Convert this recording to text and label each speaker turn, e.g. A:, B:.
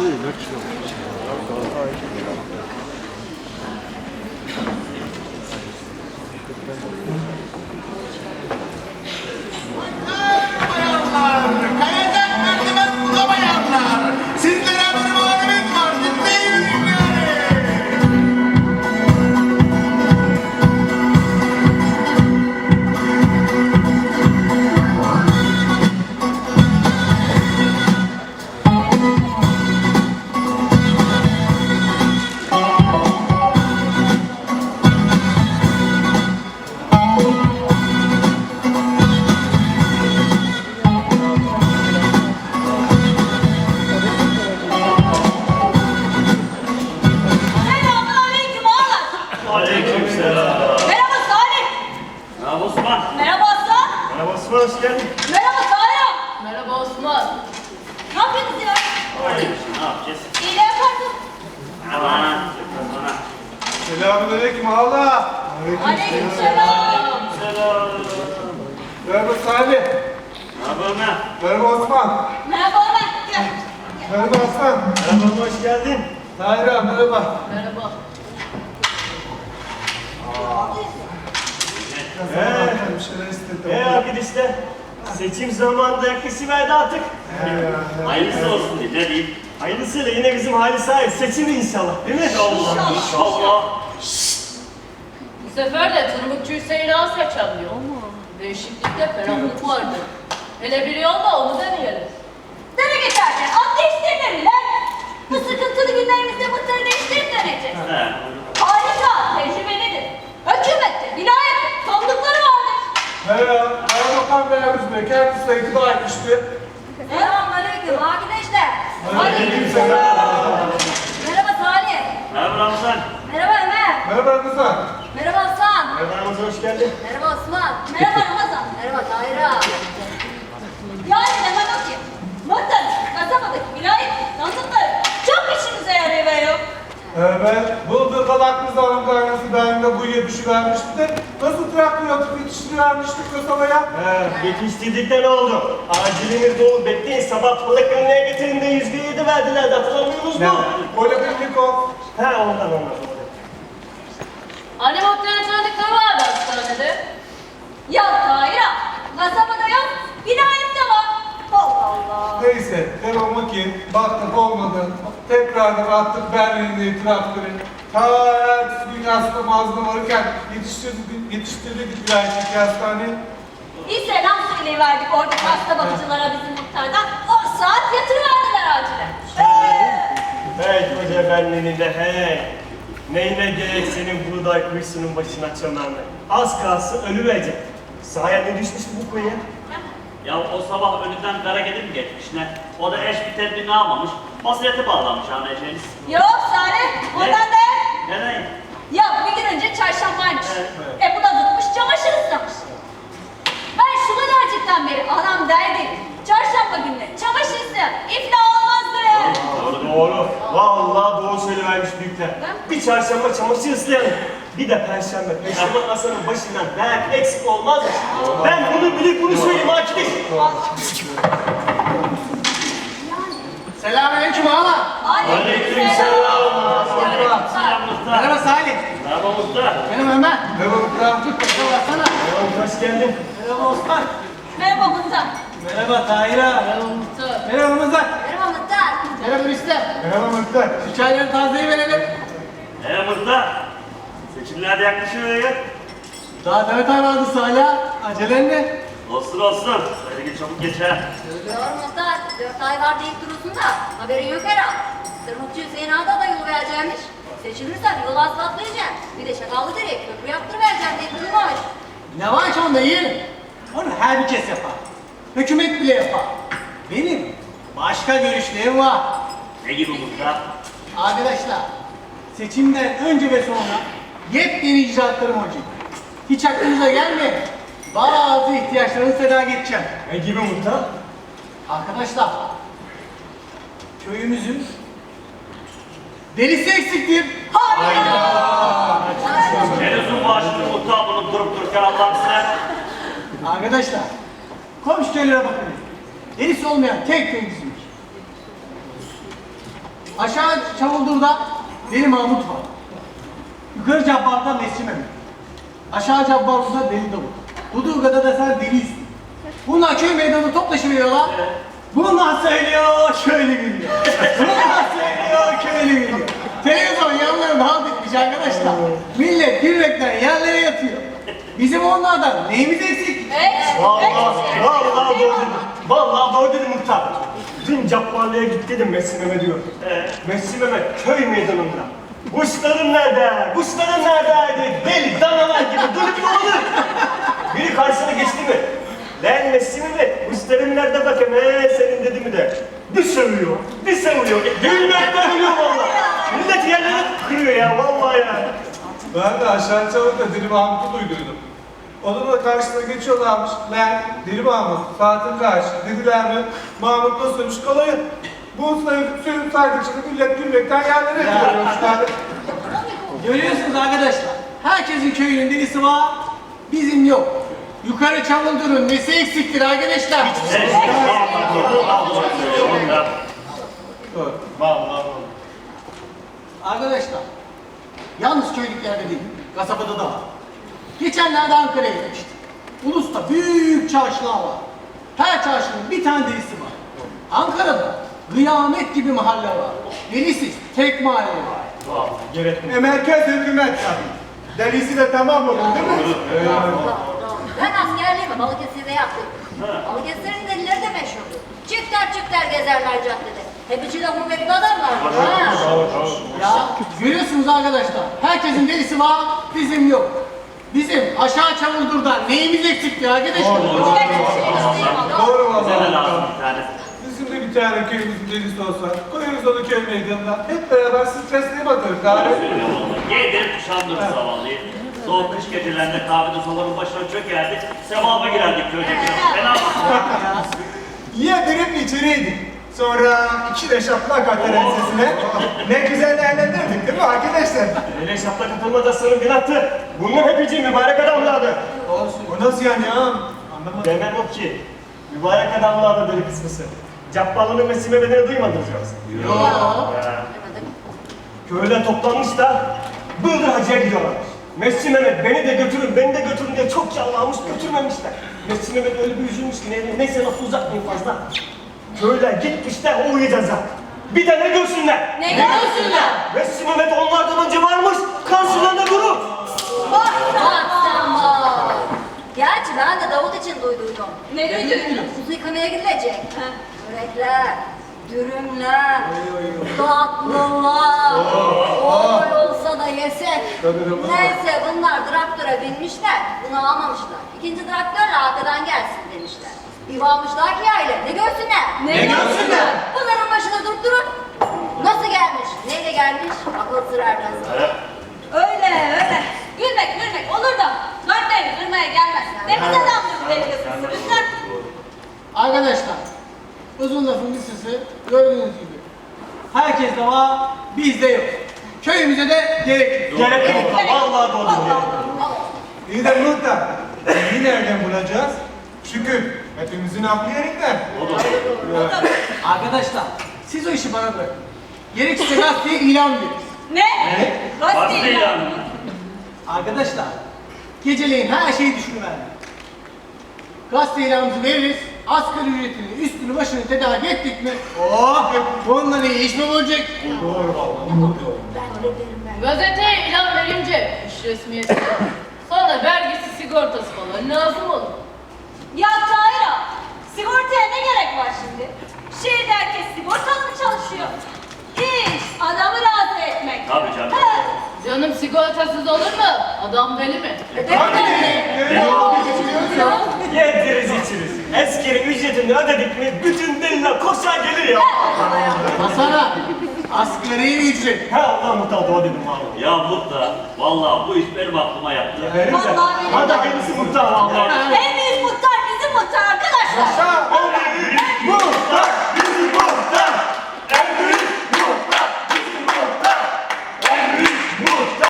A: Kayacak merdiven bulamayanlar. Sizlere bir muhalefet var. Dinleyin
B: Selamünaleyküm ağalar.
C: Aleykümselam.
B: Merhaba Salih.
C: Merhaba Osman.
B: Merhaba Aslan.
C: Merhaba Osman, hoş geldin.
B: Merhaba Tahir. Merhaba Osman. Ne yapıyorsunuz ya?
C: Ne yapacağız?
B: İyi de yaparsın.
C: Aman, yapmaz bana.
D: Selamünaleyküm ağla.
B: Aleykümselam.
C: Selam.
D: Merhaba Salih.
C: Merhaba Ömer.
D: Merhaba Osman.
B: Merhaba Ömer. Gel.
D: Merhaba Hasan.
C: Merhaba, hoş geldin.
D: Tahir abi merhaba.
B: Merhaba.
D: Bir şeyler istedim.
C: Arkadaşlar, seçim zamanında yaklaşıverdi artık. Hayırlısı olsun diye, ne diyeyim? Hayırlısıyla yine bizim Halis Ağa'yı seçimi inşallah, değil mi?
B: İnşallah.
C: İnşallah.
E: Bu sefer de Tırmıkçı Hüseyin'i az seçemiyor ama değişiklikte ferahlık vardı. Hele bir yolda onu deneyelim.
B: Dere geçerken at değiştirirler lan. Bu sıkıntılı günlerimizde mıhtarı değiştirip döneceğiz.
C: He.
B: Harika, tecrübelidir. Hükümette, vilayette tanıdıkları vardır.
D: Merhaba. Kaymakam Beyazıt Bey. Kendisi de iktidar etmişti.
B: Selamünaleyküm arkadaşlar.
D: Aleykümselam.
B: Merhaba Salih.
C: Merhaba Ramazan.
B: Merhaba Ömer.
D: Merhaba Rıza.
B: Merhaba Hasan.
C: Merhaba Ramazan, hoş geldin.
B: Merhaba Osman. Merhaba Ramazan. Merhaba Tahir. Yani demek o ki, muhtar, kasabadaki vilayet tanıdıkları çok işimize yarıyor.
D: Evet. Bulduğu kalaklı zaman kaynası daimde bu yetişi vermişti de nasıl traktör atıp yetiştirivermiştik kasabaya?
C: Yetiştirdik de ne oldu? Aciliniz dolu, bekleyin sabah balık önüne getirin de %7 verdiler de hatırlamıyorsunuz
D: Ne?
C: mu?
D: Politik o.
C: He ondan.
E: Anne muhtemelen tanıdıkları vardı hastanede.
B: Ya Tahir, kasabada yok, vilayette var. Allah Allah.
D: Neyse, devamı ki baktık olmadı. Tekrardan attık Berlin'de traktörü. Ta ertesi gün aslında mazlum varırken yetiştirdik vilayetteki hastaneye.
B: Bir selam söyleyiverdik oradaki hasta bakıcılara bizim muhtardan. O saat yatırıverdiler acilen.
C: Hey koca benliğini de hey. Neyine gerek senin buğday kuyusunun başına çömenme. Az kalsın ölüverecek. Sahaya ne düşmüştü bu kuyuya?
F: Ya o sabah önünden kara gelip mi geçmiş ne? O da eş bir tedbirini almamış. Masriyete bağlanmış anlayacağınız.
B: Yok Salih, ondan değil.
F: Neden?
B: Ya bir gün önce çarşambaymış.
F: Evet.
B: Bu da tutmuş çamaşır ıslamış. Ben şu kadarcıktan beri anam derdi. Çarşamba günleri çamaşır ıslayan iflah olmazdır.
C: Doğru. Vallahi doğru söylevermiş büyükler. Bir çarşamba çamaşır ıslayanım. Bir de perşembe. Perşembe Hasan'ın başından dert eksik olmaz mı? Ben bunu bilip bunu söyleyeyim arkadaş.
A: Selamünaleyküm ağalar.
C: Aleykümselam.
F: Selam Muhtar.
A: Merhaba Salih.
F: Merhaba Muhtar.
A: Benim Ömer.
D: Merhaba Muhtar.
A: Merhaba Hasan'a.
C: Hoş geldin.
A: Merhaba Osman.
B: Merhaba muhtar.
A: Merhaba Tahir'a.
E: Merhaba muhtar.
A: Merhaba Ramazan.
B: Merhaba muhtar.
A: Merhaba Rüstem.
D: Merhaba Muhtar.
A: Şu çayları tazeleyi verelim.
F: Muhtar. Seçimler de yaklaşıyor ya.
A: Daha 4 ay vardı Salih. Acelen ne?
F: Olsun olsun. Böyle gün çabuk geçer.
B: Söylüyor muhtar. 4 ay var deyip durursun da haberin yok herhalde. Tırmıkçı Hüseyin Ağa'da da yol vereceğimiş. Seçilirsen yolu asfaltlayacaksın. Bir de Şakallı Dere'ye köprü yaptırıvereceksin deyip durmamış.
A: Ne var ki onda yeğenim? Onu herkes yapar. Hükümet bile yapar. Benim başka görüşlerim var.
F: Ne gibi Muhtar?
A: Arkadaşlar, seçimden önce ve sonra yepyeni icraatlarım olacak. Hiç aklınıza gelmeyin. Bazı ihtiyaçlarını feda edeceğim.
C: Ne gibi muhtar?
A: Arkadaşlar, köyümüzün derisi eksiktir.
F: Ne lüzum var şimdi Muhtar bunu durup dururken Allah'ın size?
A: Arkadaşlar, komşu köylere bakın. Derisi olmayan tek köy bizimdir. Aşağı Çavuldur'da Deli Mahmut var. Yukarı Cabbar'da Mescid Mehmet. Aşağı Cabbar'da Deli Davut. Dudurga'da da sen Deli Hüsnü. Bunlar köy meydanı toplaşıveriyorlar. Bunlar söylüyor, köylü gülüyor. Bunlar söylüyor, köylü gülüyor. Televizyon yanlarında halt etmiş arkadaşlar. Millet gülmekten yerlere yatıyor. Bizim onlardan neyimiz eksik?
C: Vallahi doğru dedim. Vallahi doğru dedim muhtar. Dün Cabbarlı'ya git dedim Messi Mehmet diyor. Messi Mehmet köy meydanında. Kuşların nerede? Kuşların nerede? Dedi. Deli danalar gibi dönüp dolanır. Biri karşısına geçti mi? Lan Messi Mehmet, kuşların nerede bakayım? Senin dedi mi de. Bir sövüyor, bir seviyor. Gülmekten ölüyor vallahi. Millet yerleri kırıyor ya vallahi ya.
D: Ben de aşağı Çavuk'ta Deli Mahmut'u duyduydum. Onun da karşısına geçiyorlarmış. Lan Deli Mahmut, saatin kaç? Dediler mi? Mahmut nasılmış kolayı? Bu suyun saydıkça da millet gülmekten yerlere yatıyormuşlar.
A: Görüyorsunuz arkadaşlar. Herkesin köyünün delisi var. Bizim yok. Yukarı Çavuldur'un nesi eksiktir arkadaşlar?
C: Vallahi.
A: Arkadaşlar, yalnız köylüklerde değil, kasabada da var. Geçenlerde Ankara'ya gitmiştim. Ulus'ta büyük çarşılar var. Her çarşının bir tane delisi var. Ankara'da kıyamet gibi mahalle var. Delisiz tek mahalle var.
G: Merkez hükümet tabii. Delisi de tamam olur değil mi?
B: Ben askerliğimi Balıkesir'de yaptım. Balıkesir'in delileri de meşhurdu. Çifter çifter gezerler caddede. Hep içi lafı bekli adamlar. Ha.
A: Ya görüyorsunuz arkadaşlar, herkesin delisi var, bizim yok. Bizim aşağı Çavuldur'da neyimiz eksikti arkadaşlar?
D: Doğru
F: Bize de
D: vallahi.
F: lazım bir tane.
D: Bizim de bir tane köyümüzün delisi olsa, koyarız onu köy meydanına. Hep beraber stresli bakarız. Gari.
F: Yedir kuşandırır zavallıyı. Soğuk kış gecelerinde kahvede sobanın başına çökerdik. Sevaba girerdik köyce. Fena mı?
G: Yedirip içiriydik. Sonra 2 de şaplak atar ensesine. Ne güzel eğlendirdik değil mi arkadaşlar?
C: Öyle şaplak atılmazasının günahtı. Bunun hepsi mübarek adamlardı.
G: O nasıl yani ya? Anlamadım.
C: Demem o ki, mübarek adamlardı deli kısmısı. Cabbarlı'nın Messi Mehmet'ini duymadınız yoksa. Köyler toplanmış da Bıldır Hacı'ya gidiyorlarmış. Messi Mehmet beni de götürün, beni de götürün diye çok yalvarmış, götürmemişler. Messi Mehmet öyle bir üzülmüş ki neyse lafı uzatmayın fazla. Köyler gitmişler, o uyuyacağız zaten. Bir de ne görsünler?
B: Ne görsünler?
C: Messi Mehmet onlardan önce varmış, karşılarında durur.
B: Bak sen bak. Gerçi ben de Davut için duyduydum.
E: Ne duydun?
B: Kuzu yıkamaya gidilecek. Börekler, dürümler, tatlılar. Oy olsa da yesek. Neyse bunlar traktöre binmişler, bunu almamışlar. İkinci traktörle arkadan gelsin demişler. Bir varmışlar ki aile, ne görsünler?
E: Ne görsünler?
B: Bunların başına durup durun. Nasıl gelmiş, neyle gelmiş, akıl sır ermez.
H: Öyle öyle. Gülmek olur da dört devir kırmaya gelmez. Ne biz adamdır bu deli kızı lütfen.
A: Arkadaşlar, uzun lafın kısası gördüğünüz gibi. Herkes de var, bizde yok. Köyümüze de gerek yok.
C: Gerek yok. Vallahi doğru diyor.
G: İyi de muhtar. Neyi nereden bulacağız? Şükür. Hepimizin aklı yerinde.
A: Arkadaşlar, siz o işi bana bırakın. Gerekirse gazeteye ilan veririz.
H: Ne?
F: Bastı
H: Gazete ilanı.
F: ilanını.
A: Arkadaşlar, geceleyin her şeyi düşünüverdik. Gazete ilanımızı veririz, asgari ücretini, üstünü başını tedarik ettik mi? Oh! Bundan iyi iş mi olacak?
E: Gazeteye ilan verince iş resmiyeti. Sonra vergisi sigortası falan lazım olur.
H: Ya Tahir ağa, sigortaya ne gerek var şimdi? Şehirde herkes sigortalı mı çalışıyor? İş, adamı razı etmek.
F: Tabii canım.
H: Ha.
E: Canım sigortasız olur mu? Adam deli mi?
C: Yediriz içiriz. Eskeri ücretini ödedik mi bütün deliler koşar gelir ya.
A: Masana, asgari ücret.
C: Ha Allah muhtar doğru dedim vallahi.
F: Ya Muhtar, vallahi bu iş benim aklıma yattı.
H: Vallahi benim.
C: Hadi kendisi muhtar vallahi.
H: En büyük muhtar bizim muhtar arkadaşlar.
G: Yaşa!